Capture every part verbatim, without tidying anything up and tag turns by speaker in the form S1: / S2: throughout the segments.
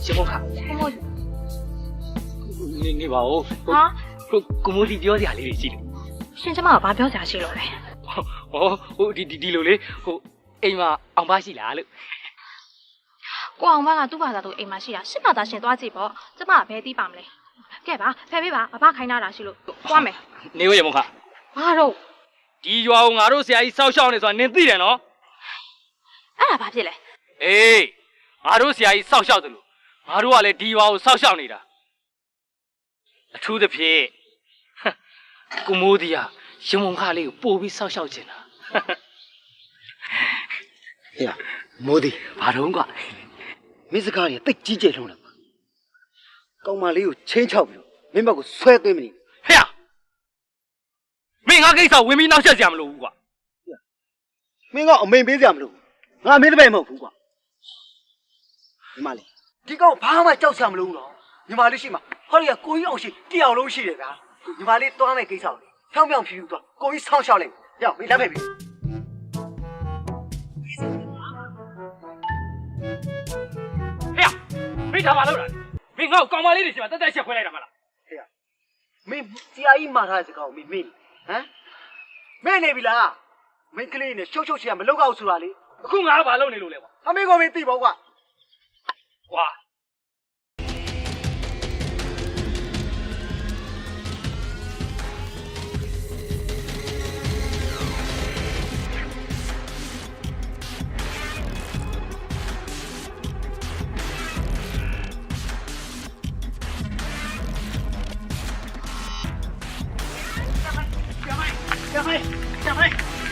S1: ရှင်မခနေနေပါဦးဟာကိုကိုမိုးဒီပြောစရာလေးတွေရှိတယ်
S2: ရှင်ကျမကဘာပြောစရာရှိလို့လဲ
S1: ဟောဟိုဒီဒီလိုလေဟိုအိမ်မှာအောင်ပါရှိလားလို့
S2: ကိုအောင်မကသူ့ဘာသာသူအိမ်မှာရှိတာရှစ်ဘာသာရှင်သွားကြည့်ပေါ့ကျမကဘယ်သိပါမလဲကဲပါဖယ်ပေးပါအဘခိုင်းတာရှိလို့သွားမယ်
S1: နေရမခ
S2: ဘာတော့
S1: ဒီရွာကိုငါတို့ဆရာကြီးစောက်ရှောက်နေဆိုတာနင်သိတယ်နော်
S2: အဲ့ဒါဘာဖြစ်လဲ
S1: အေးငါတို့ဆရာကြီးစောက်ရှောက်တယ်လို့ငါတို့ကလည်းဒီရွာကိုစောက်ရှောက်နေတာအထူးသဖြင့်ကိုမိုးဒီကရှင်မုံခလေးကိုပို့ပြီးစောက်ရှောက်ချင်တာ
S3: ဟေ့မိုးဒီ
S1: ဘာတော့ကွာ
S3: မင်းစကားတွေတိတ်ကြီးကျယ်လုံးလားကောင်မလေးကိုချင်းချောက်ပြီးမင်းဘက်ကိုဆွဲသွင်းမနေ
S1: ဟဲ့မင်းငါကိစ္စဝင်ပြီးနောက်ဆက်စရာမလိုဘူးကွာ
S3: မင်းကအမိန်ပေးစရာမလိုငါမင်းတပည့်မဟုတ်ဘူးကွာညီမလေးဒီကောင်ဘာမှကြောက်စရာမလိုဘူးနော်ညီမလေးရှိမှဟောဒီကကိုကြီးအောင်ရှိတရားလုံးရှိတယ်ဗျာညီမလေးတွားမဲ့ကိစ္စကိုဖြောင်းဖြောင်းဖြူဖြူသွားကိုကြီးဆောင်းရှောက်လိုက်ရောက်မင်းလက်ဖက်ပြီ
S1: ဟဲ့မင်းဒါမှလုပ်တာမင်းငါ့ကိုကောင်မလေးတွေရှိမှတက်တက်ချက်ခွဲလိုက်တာမလား
S3: ဟဲ့မင်းဆရာကြီးမှာထားတဲ့စကားကိုမင်းမေ့ဟမ်မေ့နေပြီလားမင်းကလေးနဲ့ရှုပ်ရှုပ်ရှေ့ကမလောက်အောင်ဆိုတာလေ
S1: အခုငါကဘာလုပ်နေလို့လဲကွာ
S3: အမေကမင်းသိပါကွာ
S1: ကွာ
S3: ကျမိုင်းကျမိုင်း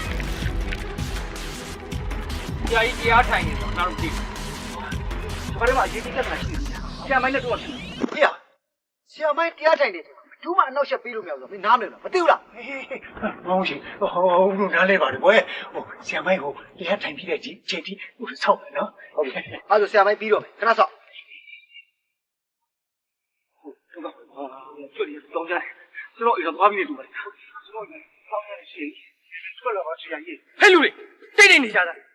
S1: ကြာကြီးတရားထိုင်နေတော့ငါတို့ကြည့်
S3: ဘာလို့မှအရေးကြီးတက်တာရှိတယ်ဆရာမိုင်းနဲ့တော့ရှိတယ်ဟေ့ဆရာမိုင်းတရားထိုင်နေတယ်ဘူးမှအနောက်ရှက်ပေးလို့မရဘူးဆိုမင်းနားမလဲလားမသိဘူးလား
S4: မဟုတ်ရှင်ဟိုဘုနားလဲပါတယ်ကွယ်ဟိုဆရာမိုင်းကိုတရားထိုင်ပြီးတဲ့ချိန်ထိဟိုဆောက်တယ်နော်
S3: ဟုတ်ပြီအဲ့ဒါဆရာမိုင်းပြီးတော့မယ်ခဏဆောက်
S4: ဟုတ်ကဲ့ဟာကျွတ်ရတော့ကြတယ်ကျွန်တော်အိမ်တော့သွားပြီးနေတူပါတယ်ကျွန်တော်ဆောက်ရရှိတယ်ဘယ်လိုပါဆရာကြီး
S1: ဟဲ့လူတွေတိတ်တိတ်နေကြတာ